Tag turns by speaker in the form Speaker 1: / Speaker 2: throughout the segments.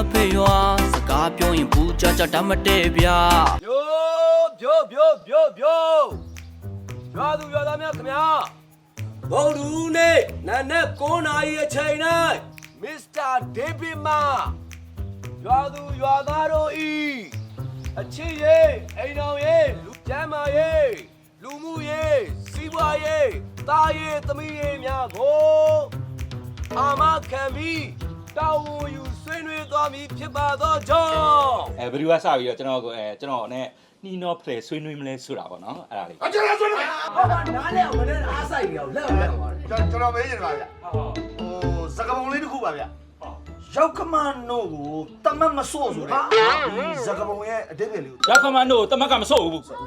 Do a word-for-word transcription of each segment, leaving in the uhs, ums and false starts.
Speaker 1: ဖေရွာစကားပြောရင်ဘူးကြကြတတ်မတည့်ဗျာ
Speaker 2: ပြိုးပြိုးပြိုးပြိုးပြိုးရွာသူရွာသားများခင်ဗျာဘုံလူနေ့နာနဲ့ကိုးနာရီအချိန်နဲ့မစ္စတာဒေးဗစ်မာရွာသူရွာသားတို့ဤအချစ်ရေးအိမ်တော်ရေးလူကျမ်းမာရေးလူမှုရေးစီးပွားရေးသားရေးသမီးရေးများကိုအာမခံပြီးတောင်းဝန်ယူဆွေးနွေးသွားမည်ဖြစ်ပါသောကြောင့်
Speaker 3: အဲဘယ်သူကစပြီးတော့ကျွန်တော်ကိုအဲကျွန်တော်နဲ့နှီးနောဖလေဆွေးနွေးမလဲဆိုတာပေါ့နော်အဲ့ဒါလေး
Speaker 2: အကျဉ်းဆွေးနွေးဟုတ်ပါနားလဲအောင်မနဲ့အားဆိုင်နေအောင်လက်အောင်လက်အောင်ပါတယ်
Speaker 4: ကျွန်တော်မေးနေပါဗျဟိုစကပုံလေးတစ်ခုပါဗျရောက်ခမန်နိုကိုတမတ်မဆို့ဆိုတဲ့ဒီစကပုံရဲ့အတိတ်ပဲလေးကို
Speaker 3: ရောက်ခမန်နိုတမတ်ကမဆို့ဘူးဟုတ်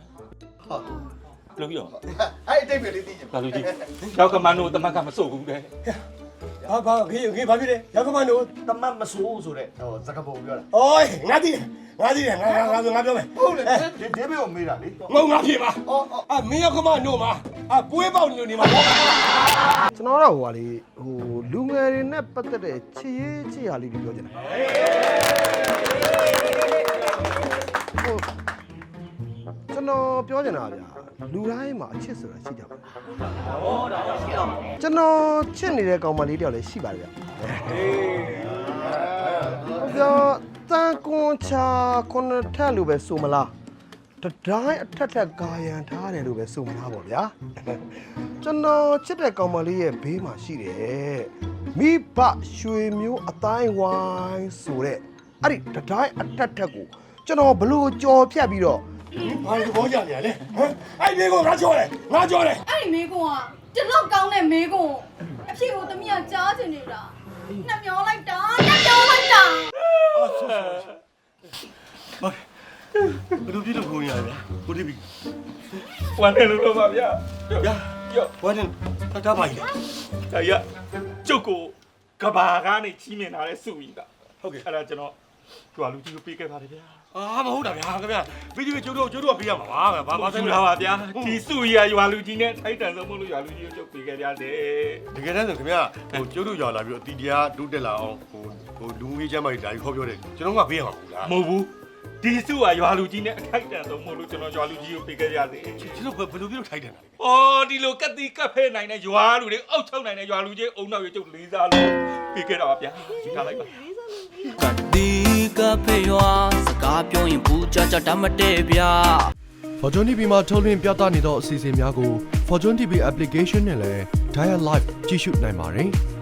Speaker 3: လို့ပြော
Speaker 4: အဲ့အတိတ်ပဲလေးသိချင်
Speaker 3: ဘာလို့ကြည့်ရောက်ခမန်နိုတမတ်ကမဆို့ဘူးတဲ့
Speaker 2: ဘာဘာခေခေဘာဖြစ်လဲရောက်ခမန်နို
Speaker 4: တမတ်မဆိုးဆိုတဲ့ဟိုစကပုံပြောတာ
Speaker 2: အိုးငါသိတယ်ငါသိတယ်ငါငါငါငါပြောမယ်
Speaker 4: ဟုတ်လေဒီဒေးဗစ်ကိုမေးတာလေ
Speaker 2: ငုံငါဖြေပါအော်အမင်းရောက်ခမန်နိုမှာအပွေးပေါက်နေနေမှာ
Speaker 4: ကျွန်တော်တော့ဟိုဟာလေဟိုလူငယ်တွေနဲ့ပတ်သက်တဲ့ချစ်ရေးချစ်ရာလေးတွေပြောချင်တာဟိုကျွန်တော်ပြောချင်တာဗျာလူတိုင်းမှာအချစ်ဆိုတာရှိကြပါဟောဒါရှိတော့ကျွန်တော်ချစ်နေတဲ့ကောင်မလေးတယောက်လည်းရှိပါတယ်ဗျဟေးပြောတန်ကွန်ချာကွန်ထက်လို့ပဲဆိုမလားတတိုင်းအထက်ထက်ကာယံထားတယ်လို့ပဲဆိုမလားပေါ့ဗျာကျွန်တော်ချစ်တဲ့ကောင်မလေးရဲ့ဘေးမှာရှိတယ်မိဘရွှေမျိုးအတိုင်းဝိုင်းဆိုတဲ့အဲ့ဒီတတိုင်းအထက်ထက်ကိုကျွန်တော်ဘလို့ကြော်ဖြတ်ပြီးတော့
Speaker 2: ဘာလို့ဘောကြနေရလဲဟမ်အဲ့ဒီမေကွန်ငါကြော်တယ်ငါကြော်တယ်
Speaker 5: အဲ့ဒီမေကွန်ကတလောက်ကောင်းတဲ့မေကွန်အဖြစ်ကိုသမီးကကြားချင်နေတာနှမျောလိုက်တာနှမျောလိုက်တာ
Speaker 2: အော်ဆိုဆိုဘယ်လိုဖြစ်လို့ခေါ်ရလဲကိုတိဘီ
Speaker 3: ဝမ်းနေလို့တော့ပါဗျာ
Speaker 2: ဗျာကြောဝမ်းနေတတ်တာပါကြီး
Speaker 3: ဒါရကျုပ်ကိုကဘာကနေချီးမြင်လာတဲ့စုကြီးတာ
Speaker 2: ဟုတ်ကဲ့
Speaker 3: အဲ့ဒါကျွန်တော်ကြွာလူကြီးကိုပေးခဲ့ပါတယ်ဗျာ
Speaker 2: အာမဟုတ်တာဗျာခင်ဗျာဗီဒီယိုကျုပ်တို့ကျုပ်တို့ကပေးရမှာပါဘာဘာ
Speaker 3: ဆိုင်လားပါဗျာဒီစုကြီးရွာလူကြီးနဲ့ထိုက်တန်ဆုံးမလို့ရွာလူကြီးကိုကျုပ်ပေးခဲ့ကြတယ်
Speaker 2: တကယ်တမ်းဆိုခင်ဗျာဟိုကျုပ်တို့ရွာလာပြီးတော့အတီတရားတိုးတက်လာအောင်ဟိုဟိုလူကြီးချမ်းမကြီးဒါကြီးခေါ်ပြောတယ်ကျွန်တော်ကပေးရမှာဘူးလား
Speaker 3: မဟုတ်ဘူးဒီစုကရွာလူကြီးနဲ့ထိုက်တန်ဆုံးမလို့ကျွန်တော်ရွာလူကြီးကိုပေးခဲ့ကြတယ်
Speaker 2: ကျွန်တော်ဘယ်လိုပြုလို့ထိုက်တယ်လဲ
Speaker 3: အော်ဒီလိုကက်တီကက်ဖဲနိုင်တဲ့ရွာလူတွေအောက်ချုပ်နိုင်တဲ့ရွာလူကြီးအုံနောက်ရွကျုပ်လေးစားလို့ပေးခဲ့တာပါဗျာယူထားလိုက်ပါ
Speaker 1: ကတိကဖေရွာစကားပြောရင်ဘူးကြကြတတ်မတည့်ဗျာ
Speaker 6: Fortune တီ ဗီ မှာထုတ်လွှင့်ပြသနေသောအစီအစဉ်များကို Fortune တီ ဗီ application နဲ့လည်း Dial Live ကြည့်ရှုနိုင်ပါတယ်။